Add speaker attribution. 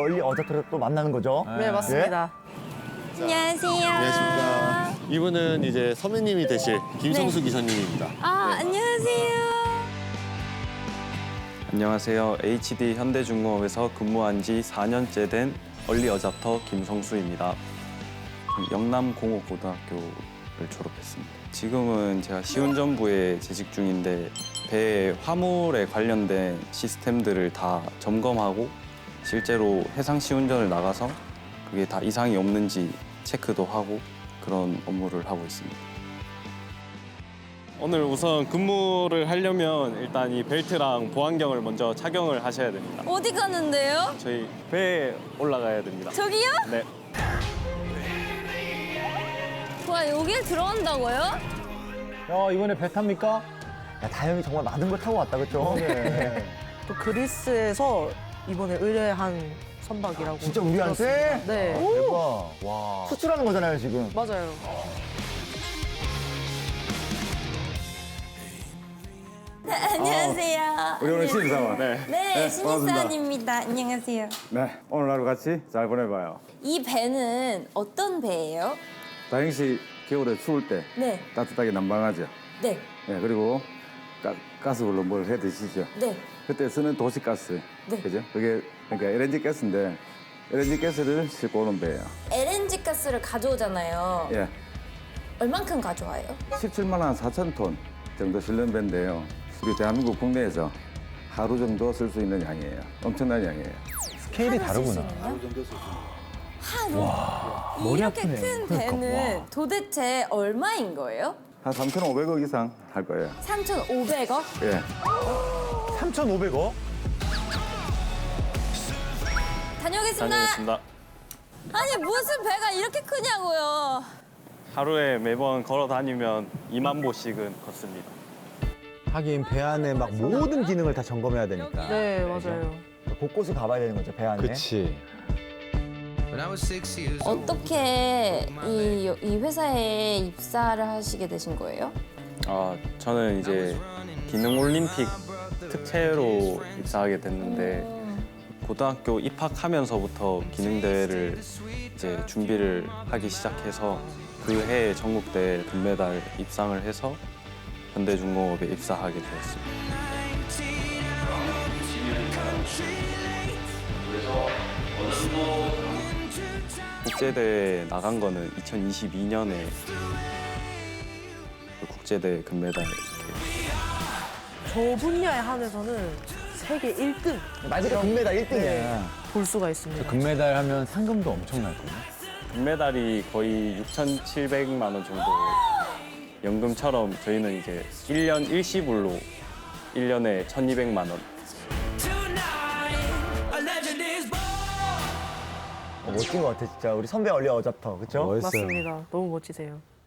Speaker 1: 얼리 어댑터를 또 만나는 거죠.
Speaker 2: 네, 맞습니다.
Speaker 3: 안녕하세요.
Speaker 4: 안녕하십니까. 이분은 이제 선배님이 되실 김성수 기사님입니다.
Speaker 3: 아, 안녕하세요.
Speaker 5: 안녕하세요. HD 현대중공업에서 근무한 지 4년째 된 얼리 어잡터 김성수입니다. 영남공업고등학교를 졸업했습니다. 지금은 제가 시운전부에 재직 중인데 배 화물에 관련된 시스템들을 다 점검하고 실제로 해상 시운전을 나가서 그게 다 이상이 없는지 체크도 하고 그런 업무를 하고 있습니다. 오늘 우선 근무를 하려면 일단 이 벨트랑 보안경을 먼저 착용을 하셔야 됩니다.
Speaker 3: 어디 가는데요?
Speaker 5: 저희 배에 올라가야 됩니다.
Speaker 3: 저기요?
Speaker 5: 네.
Speaker 3: 와, 여기에 들어간다고요?
Speaker 6: 야, 이번에 배 탑니까?
Speaker 1: 야, 다영이 정말 많은 걸 타고 왔다, 그렇죠?
Speaker 6: 네.
Speaker 2: 또 그리스에서 이번에 의뢰한 선박이라고.
Speaker 1: 진짜 우리한테?
Speaker 2: 들었습니다. 네.
Speaker 1: 대박. 와. 수출하는 거잖아요, 지금.
Speaker 2: 맞아요.
Speaker 3: 네, 안녕하세요.
Speaker 7: 우리 오늘 신입사원.
Speaker 3: 네, 신입사원입니다. 안녕하세요.
Speaker 7: 네, 오늘 하루 같이 잘 보내봐요.
Speaker 3: 이 배는 어떤 배예요?
Speaker 7: 다행 씨 겨울에 추울 때
Speaker 3: 네,
Speaker 7: 따뜻하게 난방하죠.
Speaker 3: 네,
Speaker 7: 네, 그리고 가스불로 뭘 해 드시죠.
Speaker 3: 네.
Speaker 7: 그때 쓰는 도시가스,
Speaker 3: 네.
Speaker 7: 그죠? 그게 그러니까 LNG 가스인데 LNG 가스를 싣고 오는 배예요.
Speaker 3: LNG 가스를 가져오잖아요.
Speaker 7: 예,
Speaker 3: 얼만큼 가져와요?
Speaker 7: 17만 한 4천 톤 정도 실는 배인데요. 우리 대한민국 국내에서 하루 정도 쓸 수 있는 양이에요. 엄청난 양이에요.
Speaker 6: 스케일이 다르구나.
Speaker 3: 하루?
Speaker 6: 머리
Speaker 3: 이렇게
Speaker 6: 아프네.
Speaker 3: 큰
Speaker 6: 그러니까,
Speaker 3: 배는
Speaker 6: 와.
Speaker 3: 도대체 얼마인 거예요?
Speaker 7: 한 3,500억 이상 할 거예요.
Speaker 3: 3,500억?
Speaker 7: 예.
Speaker 1: 3,500억?
Speaker 3: 다녀오겠습니다.
Speaker 5: 다녀오겠습니다.
Speaker 3: 아니, 무슨 배가 이렇게 크냐고요.
Speaker 5: 하루에 매번 걸어 다니면 2만 보씩은 걷습니다.
Speaker 6: 하긴 배 안에 막 모든 기능을 다 점검해야 되니까.
Speaker 2: 네, 맞아요.
Speaker 1: 곳곳을 가봐야 되는 거죠, 배 안에.
Speaker 6: 그치.
Speaker 3: 어떻게 이 회사에 입사를 하시게 되신 거예요?
Speaker 5: 저는 이제 기능 올림픽 특채로 입사하게 됐는데 고등학교 입학하면서부터 기능 대회를 이제 준비를 하기 시작해서 그 해에 전국대회 금메달 입상을 해서 현대중공업에 입사하게 되었습니다. 국제대회 나간 거는 2022년에 국제대회 금메달 이렇게.
Speaker 2: 저 분야에 한해서는 세계 1등
Speaker 1: 말 그대로 금메달 1등이야.
Speaker 2: 네. 볼 수가 있습니다.
Speaker 6: 금메달 하면 상금도 엄청날거든요.
Speaker 5: 금메달이 거의 6,700만 원 정도 연금처럼 저희는 이제 1년 일시불로 1년에 1,200만 원.
Speaker 1: 멋진 것 같아, 진짜. 우리 선배 얼리 어잡터, 그쵸?
Speaker 6: 멋있어요.
Speaker 2: 맞습니다. 너무 멋지세요.